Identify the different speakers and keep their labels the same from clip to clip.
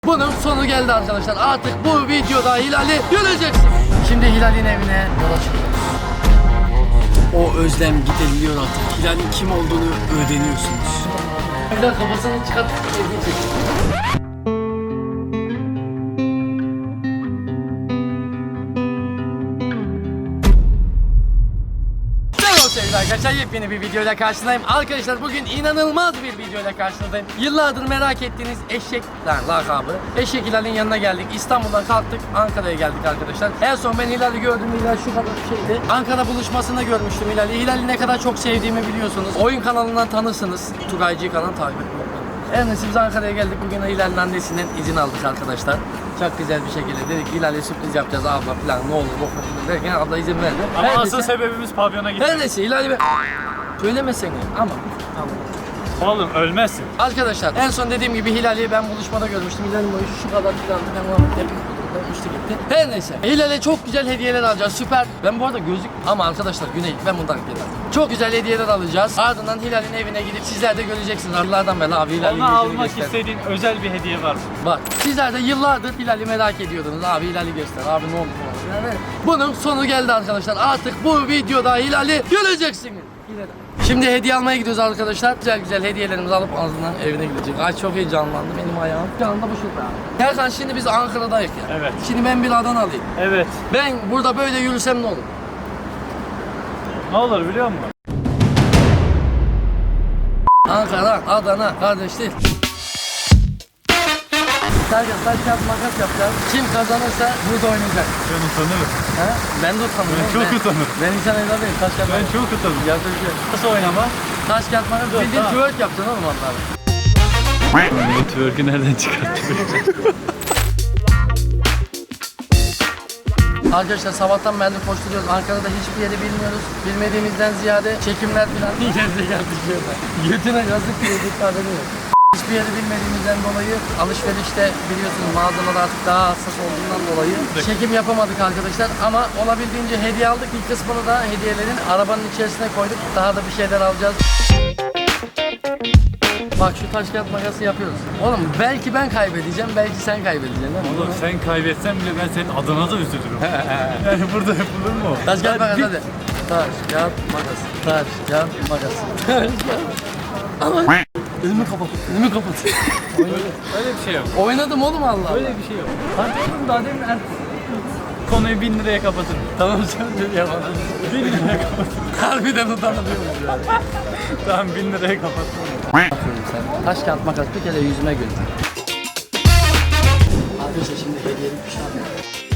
Speaker 1: Bunun sonu geldi arkadaşlar. Artık bu videoda Hilal'i göreceksiniz. Şimdi Hilal'in evine yola çıkıyoruz. O özlem gideriliyor artık. Hilal'in kim olduğunu öğreniyorsunuz. Hilal kafasını çıkartıp evine çekiyor. Sevgili arkadaşlar, yepyeni bir videoyla karşınızdayım. Arkadaşlar bugün inanılmaz bir videoyla karşınızdayım. Yıllardır merak ettiğiniz eşek lakabı Eşek Hilal'in yanına geldik. İstanbul'dan kalktık, Ankara'ya geldik arkadaşlar. En son ben Hilal'i gördüm. Hilal şu kadar bir şeydi. Ankara buluşmasında görmüştüm Hilal'i. Hilal'i ne kadar çok sevdiğimi biliyorsunuz. Oyun kanalından tanırsınız. Tugaycı kanal takip etmeyi. En neyse biz Ankara'ya geldik. Bugün Hilal'in annesinden izin aldık arkadaşlar. Çok güzel bir şekilde dedik Hilal'e sürpriz yapacağız abla falan ne olur derken abla izin verdi.
Speaker 2: Ama
Speaker 1: her
Speaker 2: asıl
Speaker 1: neyse,
Speaker 2: sebebimiz pavyona gitmek.
Speaker 1: her neyse Hilal'i söylemesene ama.
Speaker 2: Oğlum ölmezsin.
Speaker 1: Arkadaşlar en son dediğim gibi Hilal'i ben buluşmada görmüştüm. Hilal'in boyu şu kadar filandı. Ben onu hep uçtu gitti. Her neyse. Hilal'e çok güzel hediyeler alacağız. Süper. Ben bu arada gözlük ama arkadaşlar Güney ben bundan gelirim. Çok güzel hediyeler alacağız. Ardından Hilal'in evine gidip sizler de göreceksiniz. Yıllardan beri abi Hilal'in
Speaker 2: Ona
Speaker 1: yüzünü
Speaker 2: almak
Speaker 1: göster.
Speaker 2: istediğin özel bir hediye var mı?
Speaker 1: Bak sizler de yıllardır Hilal'i merak ediyordunuz. Abi Hilal'i göster. Abi ne oldu falan. Yani bunun sonu geldi arkadaşlar. Artık bu videoda Hilal'i göreceksiniz. Şimdi hediye almaya gidiyoruz arkadaşlar. Güzel güzel hediyelerimizi alıp ağzından evine gidecek. Ay çok heyecanlandı benim ayağım. Şu anda bu şurada. Erkan şimdi biz Ankara'dayız ya.
Speaker 2: Evet.
Speaker 1: Şimdi ben bir Adanalıyım.
Speaker 2: Evet.
Speaker 1: Ben burada böyle yürüsem ne olur?
Speaker 2: Ne olur biliyor musun?
Speaker 1: Ankara, Adana kardeşlik. Sadece taş kağıt makas yapacağız. Kim kazanırsa burada oynayacak.
Speaker 2: Ben utanırım.
Speaker 1: He? Ben de utanırım.
Speaker 2: Ben çok utanırım.
Speaker 1: Ben insan evladıyım. Taş kağıt
Speaker 2: Ben
Speaker 1: makas.
Speaker 2: çok utanırım.
Speaker 1: Yapacak.
Speaker 2: Nasıl oynama?
Speaker 1: Taş kağıt makas.
Speaker 2: Dur,
Speaker 1: Bildiğin
Speaker 2: tamam.
Speaker 1: twerk yapacaksın oğlum onları.
Speaker 2: Bu twerk'ü nereden çıkarttın?
Speaker 1: Arkadaşlar sabahtan beri koşturuyoruz. Ankara'da hiçbir yeri bilmiyoruz. Bilmediğimizden ziyade çekimler falan ileride geldik böyle. Götüne yazık diye ifadeni yok. Hiçbir yeri bilmediğimizden dolayı alışverişte biliyorsunuz mağazalar artık daha hassas olduğundan dolayı çekim yapamadık arkadaşlar. Ama olabildiğince hediye aldık. Bir kısmını da hediyelerin arabanın içerisine koyduk. Daha da bir şeyler alacağız. Bak şu taş kağıt makası yapıyoruz. Oğlum belki ben kaybedeceğim, belki sen kaybedeceksin değil mi?
Speaker 2: Oğlum sen kaybetsen bile ben senin adına da üzülürüm. Yani burada yapılır mı o?
Speaker 1: Taş kağıt makas
Speaker 2: bir-
Speaker 1: hadi. Taş kağıt makas. Taş kağıt makas. Taş kağıt. Ama önümü kapat. Önümü kapat.
Speaker 2: Öyle bir şey yok.
Speaker 1: Oynadım oğlum Allah.
Speaker 2: Öyle bir şey yok.
Speaker 1: Hadi oğlum daha demin
Speaker 2: Konuyu 1000 liraya kapatırım.
Speaker 1: Tamam sen de yapalım.
Speaker 2: 1000 liraya kapatırım.
Speaker 1: Harbiden utanıyoruz yani.
Speaker 2: Tamam 1000 liraya kapatırım.
Speaker 1: Sen taş kağıt makas bir kere yüzüme gül. Arkadaşlar şimdi hediyelik bir şey aldım.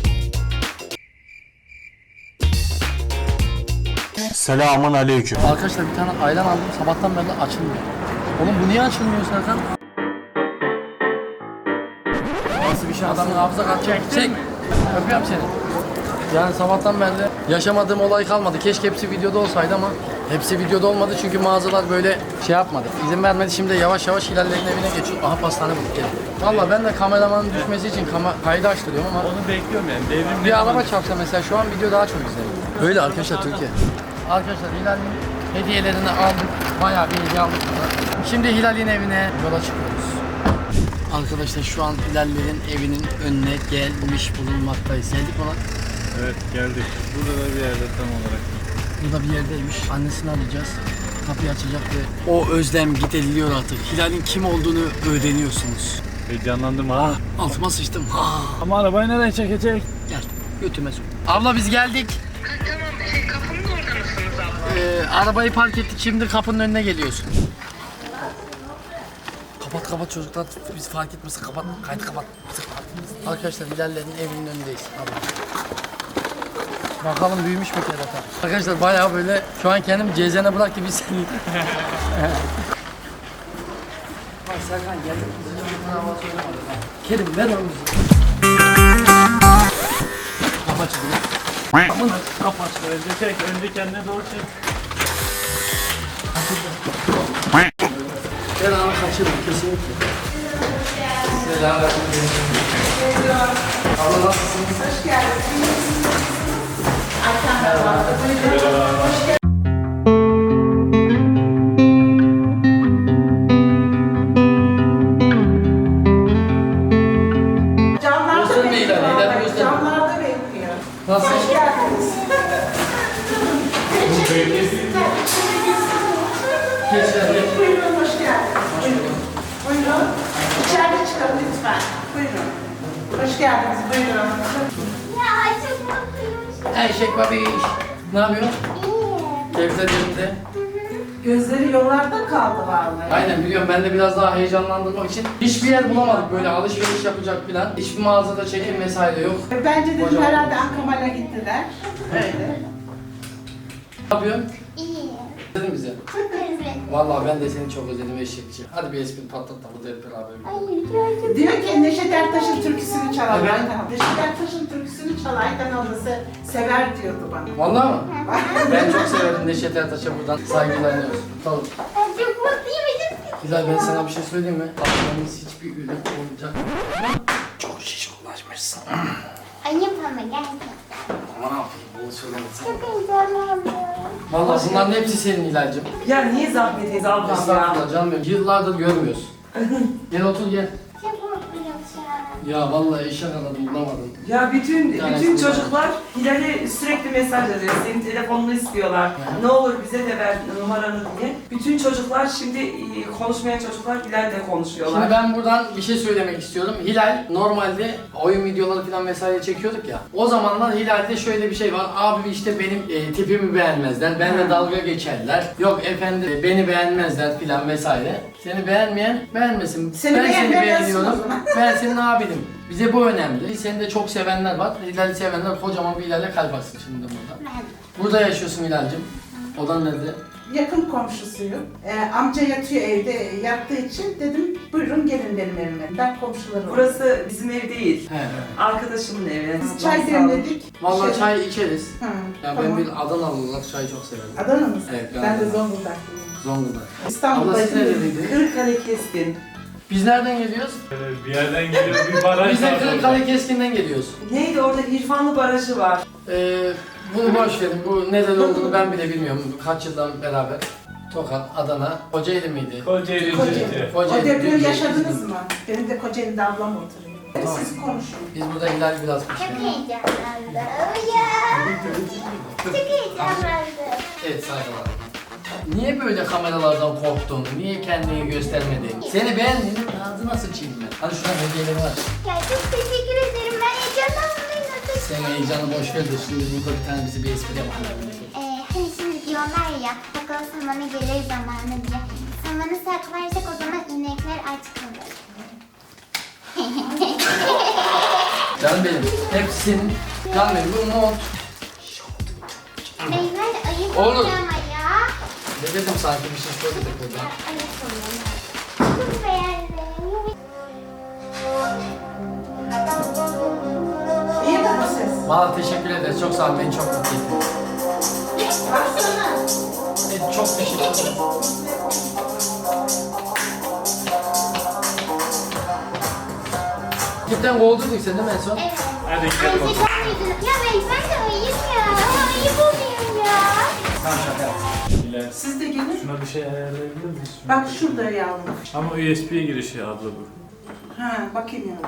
Speaker 3: Selamun aleyküm.
Speaker 1: Arkadaşlar bir tane ayran aldım. Sabahtan beri açılmıyor. Oğlum bu niye açılmıyor Serkan? Nasıl bir şey adamın hafıza kat çek. Öpüyorum seni. Yani sabahtan beri yaşamadığım olay kalmadı. Keşke hepsi videoda olsaydı ama hepsi videoda olmadı çünkü mağazalar böyle şey yapmadı. İzin vermedi. Şimdi yavaş yavaş Hilal'lerin evine geçiyor. Aha pastane bulduk gelin. Valla ben de kameramanın düşmesi için kaydı açtırıyorum ama
Speaker 2: Onu bekliyorum yani. Devrim
Speaker 1: bir araba çarpsa mesela şu an video daha çok izleniyor. Öyle arkadaşlar Türkiye. Arkadaşlar Hilal'in hediyelerini aldık. Bayağı bir hediye aldık burada. Şimdi Hilal'in evine yola çıkıyoruz. Arkadaşlar şu an Hilal'lerin evinin önüne gelmiş bulunmaktayız. Geldik mi lan?
Speaker 2: Evet geldik. Burada da bir yerde tam olarak.
Speaker 1: Burada bir yerdeymiş. Annesini arayacağız. Kapıyı açacak ve o özlem gideriliyor artık. Hilal'in kim olduğunu öğreniyorsunuz.
Speaker 2: Heyecanlandım ha.
Speaker 1: Altıma sıçtım. Ha.
Speaker 2: Ama arabayı nereye çekecek?
Speaker 1: Gel götüme sok. Abla biz geldik.
Speaker 4: Tamam, kapının orada mısınız abla?
Speaker 1: Arabayı park ettik. Şimdi kapının önüne geliyorsun. Kapat çocuklar. Biz fark etmesin. Kapat. Kaydı kapat. Arkadaşlar Hilal'lerin evinin önündeyiz. Abla. Bakalım büyümüş mü kerata? Arkadaşlar bayağı böyle şu an kendim cezene bırak gibi hissediyorum. Bak Serkan geldik. Kerim ver onu bize. Kapat çizgi.
Speaker 2: Kapat. Önce çek. Önce kendine doğru çek.
Speaker 1: Ben anı kaçırdım kesinlikle. Selamünaleyküm. Abla nasılsınız? Hoş geldiniz. Nasıl?
Speaker 5: Hoş geldiniz.
Speaker 1: Geç hadi.
Speaker 5: Buyurun, hoş geldiniz. Buyurun. Buyurun. İçeride çıkalım lütfen. Buyurun. Hoş geldiniz, buyurun.
Speaker 6: Ya çok mutluyum.
Speaker 1: Eşek babiş. Ne yapıyorsun?
Speaker 6: İyi.
Speaker 1: Kevser yerinde.
Speaker 5: Gözleri yollarda kaldı vallahi.
Speaker 1: Aynen biliyorum, ben de biraz daha heyecanlandırmak için hiçbir yer bulamadık böyle alışveriş yapacak falan. Hiçbir mağazada çekim vesaire yok.
Speaker 5: Bence dedim
Speaker 1: Kocaman.
Speaker 5: herhalde Ankamal'a gittiler. Öyle.
Speaker 1: Ne yapıyorsun?
Speaker 6: İyi.
Speaker 1: Dedin bize.
Speaker 6: Çok özledim.
Speaker 1: Vallahi ben de seni çok özledim eşekçi. Hadi bir espri patlat da burada hep beraber.
Speaker 6: Ay çok
Speaker 5: Diyor ki Neşet Ertaş'ın türküsünü çal
Speaker 1: Evet.
Speaker 5: Aydan. Neşet Ertaş'ın türküsünü çal Aydan ablası sever diyordu bana.
Speaker 1: Vallahi mı? Ben çok severim Neşet Ertaş'a, buradan saygılarınıyoruz. Tamam.
Speaker 6: Ay çok mutluyum.
Speaker 1: Hilal, ben sana bir şey söyleyeyim mi? Aklımız hiçbir ürün olacak. Çok şişkolaşmışsın.
Speaker 6: Ayıp ama gerçekten.
Speaker 1: Ama ne yapayım, bunu söylemesin.
Speaker 6: Çok heyecanlandım.
Speaker 1: Vallahi bunların hepsi senin Hilal'cim.
Speaker 7: Ya niye zahmet ediyorsun ablam ya?
Speaker 1: Estağfurullah canım benim. Yıllardır görmüyoruz. Gel otur gel.
Speaker 6: Çok mutluyum şu an.
Speaker 1: Ya vallahi eşek aradım bulamadım.
Speaker 7: Ya bütün
Speaker 1: tanesi
Speaker 7: çocuklar Hilal'e sürekli mesaj yazıyor. Senin telefonunu istiyorlar. Ne olur bize de ver numaranı diye. Bütün çocuklar şimdi konuşmayan çocuklar Hilal'le konuşuyorlar.
Speaker 1: Şimdi ben buradan bir şey söylemek istiyorum. Hilal normalde oyun videoları falan vesaire çekiyorduk ya. O zamanlar Hilal'de şöyle bir şey var. Abi işte benim tipimi beğenmezler. Benimle dalga geçerler. Yok efendim beni beğenmezler falan vesaire. Seni beğenmeyen beğenmesin.
Speaker 5: Seni
Speaker 1: Ben seni
Speaker 5: beğenmeyen
Speaker 1: beğeniyorum.
Speaker 5: yazsın o zaman.
Speaker 1: Ben senin abinim. Bize bu önemli. Seni de çok sevenler var. Hilal'i sevenler kocaman bir Hilal'e kalp atsın şimdi burada.
Speaker 6: Ben.
Speaker 1: Burada yaşıyorsun Hilal'cim. Odan nerede?
Speaker 5: Yakın komşusuyum. Amca yatıyor evde, yattığı için dedim buyurun gelin benim evime. Ben komşularım.
Speaker 7: Burası bizim ev değil.
Speaker 1: He.
Speaker 7: Arkadaşımın evi.
Speaker 5: Biz çay demledik.
Speaker 1: Vallahi
Speaker 5: Şey-
Speaker 1: çay içeriz.
Speaker 5: Ha,
Speaker 1: Ya
Speaker 5: tamam.
Speaker 1: ben bir Adanalı olarak çayı çok severim.
Speaker 5: Adana mısın?
Speaker 1: Evet, ben
Speaker 5: ben de
Speaker 1: Adana.
Speaker 5: Zonguldaklıyım.
Speaker 1: Zonguldak. Abla siz
Speaker 5: İstanbul'daydım.
Speaker 1: nereliydiniz?
Speaker 7: Kırıkkale Keskin.
Speaker 1: Biz nereden geliyoruz?
Speaker 2: Bir yerden geliyor bir baraj
Speaker 1: Biz de
Speaker 2: var
Speaker 1: Kırıkkale
Speaker 2: orada.
Speaker 1: Keskin'den geliyoruz.
Speaker 7: Neydi orada İrfanlı Barajı var.
Speaker 1: Bunu boş verin. Bu neden olduğunu ben bile bilmiyorum. Kaç yıldan beraber. Tokat, Adana, Kocaeli miydi?
Speaker 2: Kocaeli
Speaker 5: Kocaeli.
Speaker 2: Cüce.
Speaker 5: O
Speaker 1: Kocaeli.
Speaker 5: depremi yaşadınız mı? Benim de Kocaeli'de ablam oturuyor. Siz konuşun.
Speaker 1: Biz burada Hilal biraz bir
Speaker 6: Çok
Speaker 1: şey.
Speaker 6: heyecanlandım. Ya. Çok heyecanlandım.
Speaker 1: Evet saygılar. Niye böyle kameralardan korktun? Niye kendini göstermedin? Seni beğenmedim, ağzına sıçayım ben. Hadi şuradan hediyeleri var.
Speaker 6: Ya çok teşekkür ederim. Ben heyecanlandım.
Speaker 1: Sen heyecanı boş ver de şimdi burada bir tane bize bir espri yapalım.
Speaker 6: Hani şimdi diyorlar ya, bakalım samanı gelir zamanı diye. Samanı saklarsak o zaman inekler aç kalır.
Speaker 1: Canım benim, hepsi senin. Canım benim, bu mont.
Speaker 6: Beyler ayıp
Speaker 1: Oğlum.
Speaker 6: oluyor ama ya.
Speaker 1: Ne dedim sanki bir şey söyledik burada.
Speaker 6: Ayıp oluyor. Çok beğendim.
Speaker 5: İyi mi bu ses?
Speaker 1: Valla teşekkür ederiz, çok sağ ol, beni çok mutlu ettin.
Speaker 5: Baksana.
Speaker 1: Evet, çok teşekkür ederim. Gitten kovdurduk seni değil mi en son?
Speaker 6: Evet.
Speaker 2: Hadi gel
Speaker 6: Ayıp
Speaker 2: bakalım.
Speaker 6: olmuyordu. Ya beyler de ayıp ya. Ayıp oluyor ya.
Speaker 1: Tamam şaka yaptım.
Speaker 2: Hilal,
Speaker 5: Siz de gelin.
Speaker 2: şuna bir şey ayarlayabilir miyiz?
Speaker 5: Bak şurada yavrum.
Speaker 2: Ama USB girişi abla bu.
Speaker 5: Ha, bakayım yavrum.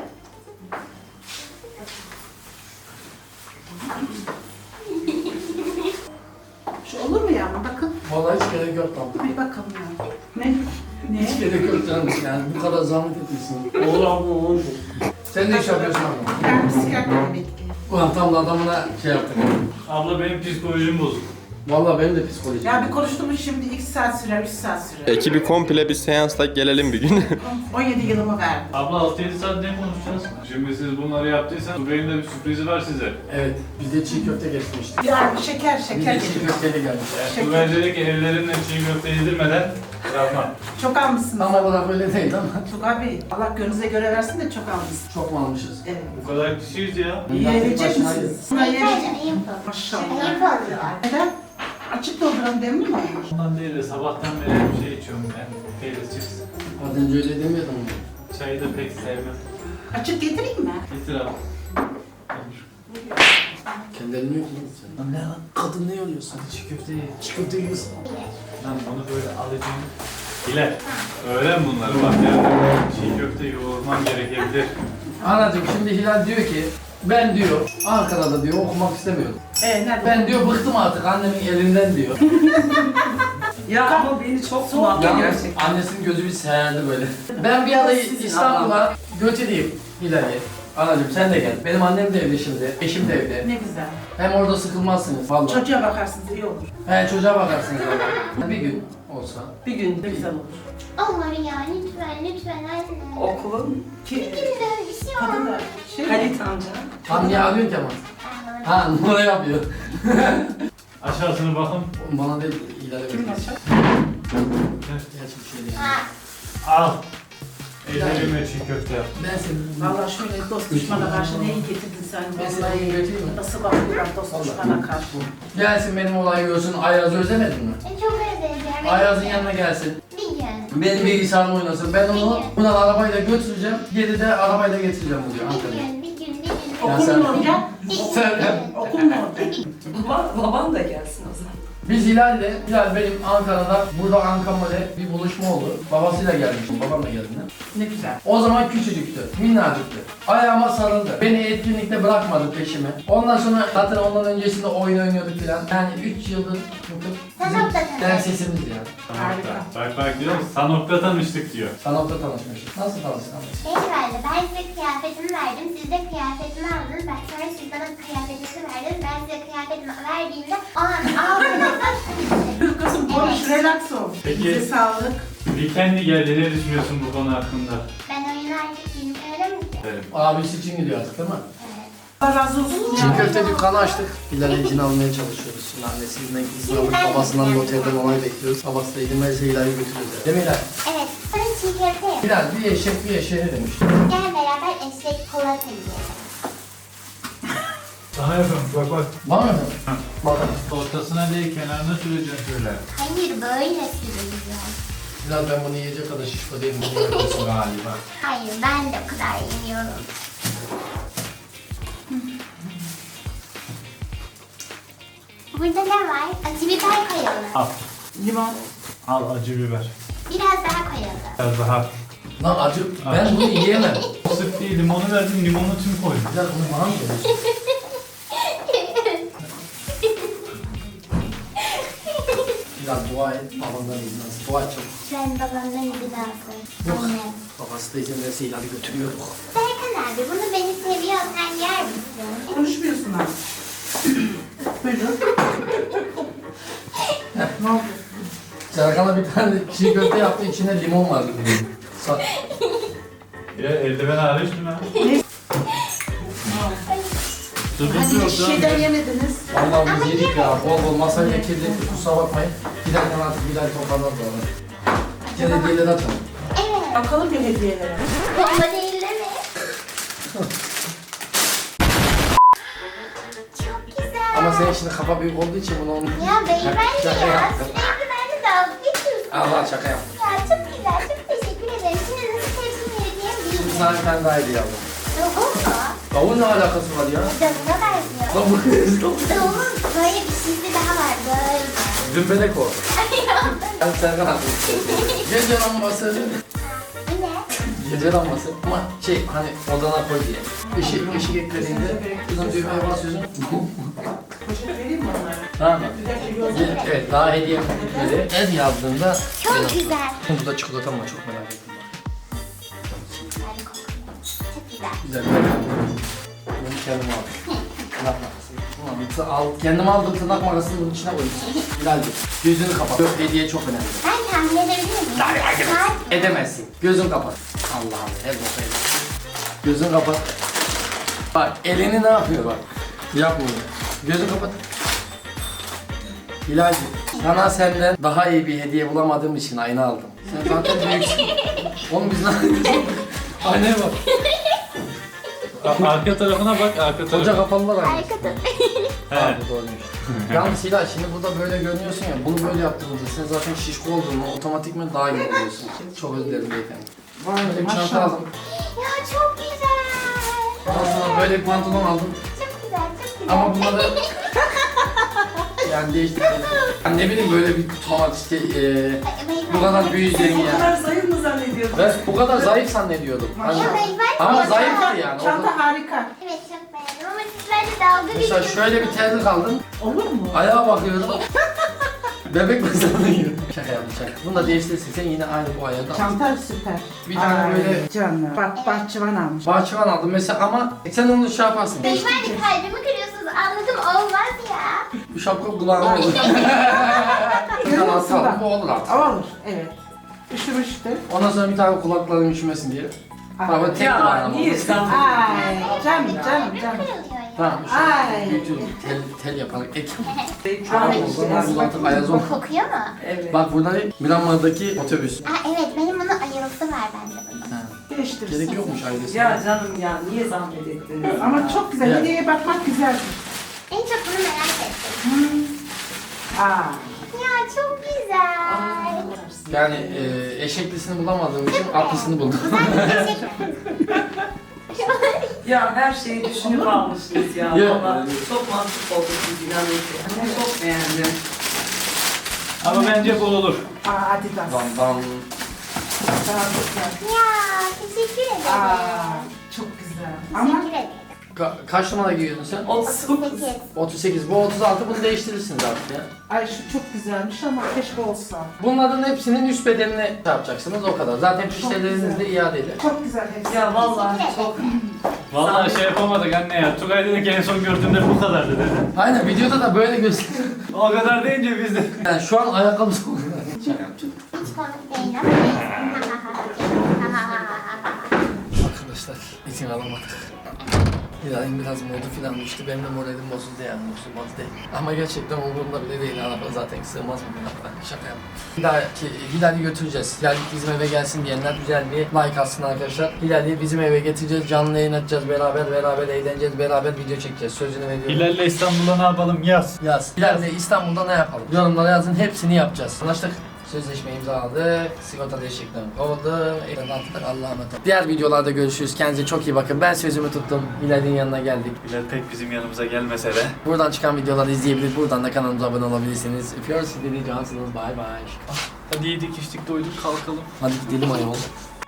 Speaker 5: Şu olur mu yavrum? Bakın.
Speaker 1: Vallahi hiç gerek yok lan.
Speaker 5: Bir bakalım yavrum. Ne?
Speaker 1: Hiç gerek yok canım yani bu kadar zahmet etmişsin. Olur abi olur. Sen ne iş yapıyorsun abi?
Speaker 5: Ben psikiyatri emekliyim.
Speaker 1: Ulan tam da adamına şey yaptık.
Speaker 2: Abla benim psikolojim bozuk.
Speaker 1: Vallahi benim de psikolojim.
Speaker 5: Ya bir konuştuğumuz şimdi 2 saat sürer, 3 saat sürer.
Speaker 8: Ekibi komple bir seansla gelelim bir gün.
Speaker 5: 17 yılımı verdim.
Speaker 2: Abla 6-7 saat ne konuşacağız? Şimdi siz bunları yaptıysanız Tugay'ın da bir sürprizi var size.
Speaker 1: Evet, biz de çiğ köfte getirmiştik.
Speaker 5: Ya şeker,
Speaker 1: Biz
Speaker 5: şeker
Speaker 1: de çiğ
Speaker 5: getirdim.
Speaker 1: köfteli gelmiş.
Speaker 5: Şeker.
Speaker 2: Tugay dedi ki ellerinle çiğ köfte yedirmeden bırakmam.
Speaker 5: Çok almışsınız.
Speaker 1: Tam olarak öyle değil ama
Speaker 5: Tugay Bey, Allah gönlünüze göre versin de çok almışsınız.
Speaker 1: çok mu almışız?
Speaker 5: Evet.
Speaker 2: Bu kadar kişiyiz ya.
Speaker 5: Yiyebilecek misiniz? Buna
Speaker 6: Beyler de
Speaker 5: yiyebilecek
Speaker 6: ayıp oluyor.
Speaker 5: Maşallah.
Speaker 6: Ayıp oluyor.
Speaker 5: Neden? Açık dolduran demli mi?
Speaker 2: Ondan değil de sabahtan beri bir şey içiyorum ben. Peynir chips.
Speaker 1: Az önce öyle demiyordun mu?
Speaker 2: Çayı da pek sevmem.
Speaker 5: Açık getireyim mi?
Speaker 2: Getir abi.
Speaker 1: Kendi elini yok mu sen?
Speaker 2: Ne lan?
Speaker 1: Kadın ne yoruyorsun?
Speaker 2: Hadi çiğ köfte ye.
Speaker 1: Çiğ köfte yiyorsun.
Speaker 2: Lan bunu böyle alacağım. Hilal, öğren bunları bak yani. Çiğ köfte yoğurman gerekebilir.
Speaker 1: Anacığım şimdi Hilal diyor ki Ben diyor Ankara'da diyor okumak istemiyorum.
Speaker 5: Nerede?
Speaker 1: Ben diyor bıktım artık annemin elinden diyor.
Speaker 7: Ya ama beni çok bunalttı
Speaker 1: Yalnız
Speaker 7: gerçekten.
Speaker 1: annesinin gözü bir seyirdi böyle. Ben bir ara İstanbul'a götüreyim Hilal'i. Anacığım sen de gel. Benim annem de evde şimdi, eşim de evde.
Speaker 5: Ne güzel.
Speaker 1: Hem orada sıkılmazsınız vallahi.
Speaker 5: Çocuğa bakarsınız iyi olur.
Speaker 1: He çocuğa bakarsınız orada. Bir gün olsa.
Speaker 5: Bir gün de güzel olur.
Speaker 6: Olur ya lütfen anne.
Speaker 7: Okulun
Speaker 6: Bir gün böyle bir şey
Speaker 5: Kadın
Speaker 6: olmaz.
Speaker 5: da şey
Speaker 7: Halit amca.
Speaker 1: Tam niye arıyorsun ki ama? Ha numara yapıyor.
Speaker 2: Aşağısına bakın.
Speaker 1: Bana değil Hilal'e
Speaker 5: Kim
Speaker 1: bakıyor.
Speaker 5: açar?
Speaker 1: Gerçi bir şey değil.
Speaker 6: Ha,
Speaker 2: Al. Ellerime çiğ köfte yap.
Speaker 1: Ben seni...
Speaker 5: Valla şöyle dost düşmana karşı neyi getirdin sen?
Speaker 1: Ben seni bugün götüreyim mi?
Speaker 5: Nasıl bakıyorlar dost
Speaker 1: Vallahi.
Speaker 5: düşmana karşı?
Speaker 1: Gelsin benim olayı görsün. Ayaz'ı özlemedin mi?
Speaker 6: ben çok özledim.
Speaker 1: Ayaz'ın yanına gelsin.
Speaker 6: Bir gün.
Speaker 1: Benim bilgisayarımı oynasın. Ben onu buradan arabayla götüreceğim. Geri de arabayla getireceğim buraya Ankara'ya.
Speaker 6: Bir gün.
Speaker 1: Ya
Speaker 5: Okul
Speaker 1: sen-
Speaker 5: mu olacak?
Speaker 1: Sen-
Speaker 5: Okul mu olacak?
Speaker 7: Baban da gelsin o zaman.
Speaker 1: Biz Hilal benim Ankara'da, burada Ankara'da bir buluşma oldu. Babasıyla gelmiştim, babam da geldi.
Speaker 5: Ne güzel.
Speaker 1: O zaman küçücüktü, minnacıktı. Ayağıma sarıldı. Beni etkinlikte bırakmadı peşime. Ondan sonra zaten ondan öncesinde oyun oynuyorduk filan. Yani 3 yıldır
Speaker 6: Sen
Speaker 1: bizim
Speaker 6: nokta
Speaker 1: densesimiz ya.
Speaker 5: Harika.
Speaker 2: Bak diyor, Sanok'ta tanıştık diyor.
Speaker 1: Sanok'ta tanışmıştık. Nasıl tanıştık?
Speaker 6: Şey verdi, ben size kıyafetimi verdim, siz de kıyafetimi aldınız. Ben sonra siz bana kıyafetimi verdiniz, ben size kıyafetimi verdiğimde o an aldığınızda
Speaker 5: Kızım konuş, relax ol.
Speaker 2: Peki.
Speaker 5: Bize sağlık.
Speaker 2: Weekend'i geldi, ne düşünüyorsun bu konu hakkında?
Speaker 6: ben oyunu artık bilmiyorum ki.
Speaker 2: Evet.
Speaker 1: Abisi için gidiyor artık değil mi?
Speaker 5: Allah razı olsun
Speaker 1: Çiğ
Speaker 5: ya.
Speaker 1: köfte dükkanı açtık. Hilal'e izin almaya çalışıyoruz. Şimdi annesinden izin alıp babasından da otelden onay bekliyoruz. Babası da izin verirse Hilal'i götürüyoruz. Değil mi Hilal?
Speaker 6: Evet, sonra çiğ köfte yap.
Speaker 1: Hilal bir eşek bir eşeğe ne demiş?
Speaker 6: Gel beraber eşek kola yiyelim.
Speaker 2: Sana yapıyorum, bak.
Speaker 1: Var mı? Bakalım.
Speaker 2: Ortasına değil, kenarına süreceksin şöyle.
Speaker 6: Hayır, böyle sürüyor.
Speaker 1: Hilal ben bunu yiyecek kadar şişko değilim. Bunu yapıyorsun galiba.
Speaker 6: Hayır, ben de o kadar yemiyorum. Burada ne var? Acı biber koyalım.
Speaker 2: Al.
Speaker 5: Limon.
Speaker 2: Al acı biber.
Speaker 6: Biraz daha koyalım.
Speaker 2: Biraz daha.
Speaker 1: Lan acı, ben bunu yiyemem.
Speaker 2: Sık değil, limonu verdim, limonu tüm koydum.
Speaker 1: Hilal bunu bana mı veriyorsun? Hilal dua et, babandan izin alsın. Dua et çabuk.
Speaker 6: Ben babamdan izin alsın.
Speaker 1: Yok.
Speaker 6: Anne.
Speaker 1: Babası da izin verirse Hilal'i götürüyor.
Speaker 6: Serkan abi, bunu beni seviyorsan yer misin?
Speaker 5: Konuşmuyorsun abi. Buyurun. Ne oldu?
Speaker 1: Serkan'a bir tane çiğ köfte yaptı, içinde limon vardı.
Speaker 2: Ya eldiven hariç mi lan? Sıkıntı
Speaker 5: Hadi
Speaker 2: yok
Speaker 5: şeyden yemediniz.
Speaker 1: Vallahi biz yedik ya, bol bol masayla kirlettik, kusura bakmayın. Giderken artık Hilal toparlar sonra. Gene hediyeleri atalım.
Speaker 6: Evet.
Speaker 5: Bakalım bir hediyelere.
Speaker 6: Bomba değil mi? Çok güzel.
Speaker 1: Ama senin şimdi kafa büyük olduğu için bunu olmuyor.
Speaker 6: Ya beyefendi
Speaker 1: Şaka
Speaker 6: ya.
Speaker 1: yaptım.
Speaker 6: Sürekli benimle dalga geçiyorsun.
Speaker 1: Allah şaka yaptım.
Speaker 6: Ya çok güzel, çok teşekkür ederim. Şimdi nasıl tepsimi hediyem
Speaker 1: Şimdi
Speaker 6: değil.
Speaker 1: sana bir tane daha hediye aldım.
Speaker 6: Davul mu?
Speaker 1: Davul ne alakası var ya?
Speaker 6: Davula benziyor.
Speaker 1: Davul.
Speaker 6: Davulun böyle bir şeysi daha var, böyle.
Speaker 1: Dümbelek o. Ben Serkan abi. Gece lambası.
Speaker 6: Bu ne?
Speaker 1: Gece lambası. Ama şey hani odana koy diye. Işık eklediğinde kızın düğmeye basıyorsun.
Speaker 5: Poşet vereyim mi onlara?
Speaker 1: Tamam mı?
Speaker 5: Bir dakika gözleme.
Speaker 1: Evet daha hediye bitmedi. El yazdığında
Speaker 6: Çok güzel.
Speaker 1: burada çikolata mı var? Çok merak ettim bak.
Speaker 6: Hadi kokuyor. Çok güzel.
Speaker 1: Güzel. Bunu kendim aldım. Tırnak makası. Ulan al, kendim aldım tırnak makasını bunun içine koydum. Hilal'di. Gözünü kapat. Yok, hediye çok önemli.
Speaker 6: Ben tahmin edebilir miyim? Saat.
Speaker 1: Edemezsin. Gözün kapat. Allah'ım her boka edin. Gözün kapat. Bak elini ne yapıyor bak. Yapmıyor. Gözün kapat. Hilal'cim sana senden daha iyi bir hediye bulamadığım için ayna aldım. Sen zaten büyüksün. Oğlum biz ne yapıyoruz? Aynaya bak.
Speaker 2: Arka tarafına bak, arka
Speaker 1: Koca
Speaker 2: tarafına.
Speaker 1: kapalılar aynı.
Speaker 6: Arkada.
Speaker 1: Abi doğruymuş. Yalnız Hilal şimdi burada böyle görünüyorsun ya, bunu böyle yaptığımızda sen zaten şişko olduğunu otomatikman daha iyi oluyorsun. Çok özür dilerim beyefendi. Böyle bir çanta
Speaker 5: Maşallah.
Speaker 1: aldım.
Speaker 6: Ya çok güzel.
Speaker 1: Ondan sonra böyle bir pantolon aldım.
Speaker 6: Çok güzel, çok güzel.
Speaker 1: Ama bunları yani değiştirdim. Yani ne bileyim böyle bir tomat işte bu kadar büyüyeceğini
Speaker 7: Bu
Speaker 1: yani.
Speaker 7: kadar zayıf mı zannediyordun?
Speaker 1: Ben bu kadar zayıf zannediyordum. Hani,
Speaker 6: Ya beyefendi
Speaker 1: ama
Speaker 6: ya.
Speaker 1: zayıftı yani.
Speaker 5: Çanta harika.
Speaker 6: Evet, çok beğendim. dalga
Speaker 1: Mesela
Speaker 6: geçiyorsun.
Speaker 1: şöyle bir terlik aldım.
Speaker 5: Olur mu?
Speaker 1: Ayağa bakıyorum. Bebek mezarına giriyor. Şaka yaptım şaka. Bunu da değiştirirsin sen yine aynı bu ayağı da al.
Speaker 5: Çanta süper.
Speaker 1: Bir tane
Speaker 5: Ay,
Speaker 1: böyle-
Speaker 5: Canım. Bak bahçıvan almış.
Speaker 1: Bahçıvan aldım mesela ama sen onu şey yaparsın.
Speaker 6: Beyefendi kalbimi kırıyorsunuz. Anladım olmaz ya.
Speaker 1: Bu şapka kulağına olur. Bir tane altı aldım bu olur artık.
Speaker 5: Olur. Evet. Üşümüştü.
Speaker 1: Ondan sonra bir tane kulaklarım üşümesin diye. Ama tek kulağına
Speaker 7: Ya
Speaker 1: mı?
Speaker 7: niye sen?
Speaker 5: Ay canım.
Speaker 6: Kırılıyor ya.
Speaker 1: Tamam
Speaker 5: Ay.
Speaker 1: şu büyütüyorum. Tel yaparak ek.
Speaker 5: Ay,
Speaker 1: Tamam
Speaker 5: işte,
Speaker 1: o zaman uzantıp ayaz ol.
Speaker 6: Kokuyor mu?
Speaker 7: Evet.
Speaker 1: Bak burada Myanmar'daki otobüs.
Speaker 6: Evet benim bunun ayılısı var bende bunun.
Speaker 5: Değiştirsin.
Speaker 1: Gerek yokmuş ailesi.
Speaker 7: Ya canım ya niye zahmet ettiniz?
Speaker 5: Ama çok güzel.
Speaker 1: Ya.
Speaker 5: Hediyeye bakmak güzeldir.
Speaker 6: En çok bunu merak ettim.
Speaker 5: Aa.
Speaker 6: Ya çok güzel.
Speaker 1: Yani eşeklisini bulamadığım için atlısını buldum.
Speaker 7: Ya her şeyi düşünüp almışsınız ya.
Speaker 1: Ya.
Speaker 7: Valla çok mantıklı oldu siz inanın ki. Ben çok beğendim.
Speaker 2: Ama bence bol olur.
Speaker 5: Aa Adidas.
Speaker 1: Bam bam.
Speaker 5: Daha güzel.
Speaker 6: Ya teşekkür ederim.
Speaker 5: Aa. Çok güzel. Ama
Speaker 6: Teşekkür ederim.
Speaker 1: Kaç numara giyiyorsun sen?
Speaker 7: 39.
Speaker 6: 8.
Speaker 1: 38. Bu 36 bunu değiştirirsiniz artık ya.
Speaker 5: ay şu çok güzelmiş ama keşke olsa.
Speaker 1: Bunların hepsinin üst bedenini şey yapacaksınız o kadar. Zaten fişleriniz de iadeli.
Speaker 5: Çok güzel hepsi.
Speaker 7: Ya vallahi çok.
Speaker 2: Vallahi şey yapamadık anne ya. Tugay dedi ki en son gördüğümde bu kadardı dedi.
Speaker 1: Aynen videoda da böyle gösteriyor.
Speaker 2: O kadar deyince biz de.
Speaker 1: Yani şu an ayakkabısı oluyor.
Speaker 6: Hiç komik değil ama.
Speaker 1: Arkadaşlar izin alamadık. Hilal'in biraz modu falan düştü. Benim de moralim bozuldu yani. Bozulmaz değil. Ama gerçekten umurumda bile değil. Araba zaten sığmaz mı bu araba? Şaka yaptım. Hilal'i götüreceğiz. Hilal bizim eve gelsin diyenler güzel bir like atsın arkadaşlar. Hilal'i bizim eve getireceğiz. Canlı yayın açacağız beraber eğleneceğiz. Beraber video çekeceğiz. Sözünü veriyorum.
Speaker 2: Hilal'le İstanbul'da ne yapalım yaz.
Speaker 1: Yaz. Hilal'le İstanbul'da ne yapalım? Yorumlara yazın. Hepsini yapacağız. Anlaştık. Sözleşme imzaladık. Sigorta değişikliğini kovdum. Ekran attık. Allah'a emanet olun. Diğer videolarda görüşürüz. Kendinize çok iyi bakın. Ben sözümü tuttum. Hilal'in yanına geldik.
Speaker 2: Hilal pek bizim yanımıza gelmese de.
Speaker 1: Buradan çıkan videoları izleyebilir. Buradan da kanalımıza abone olabilirsiniz. Öpüyoruz. Sizi cansınız. Bay bay.
Speaker 2: Hadi yedik içtik doyduk kalkalım.
Speaker 1: Hadi gidelim ayol.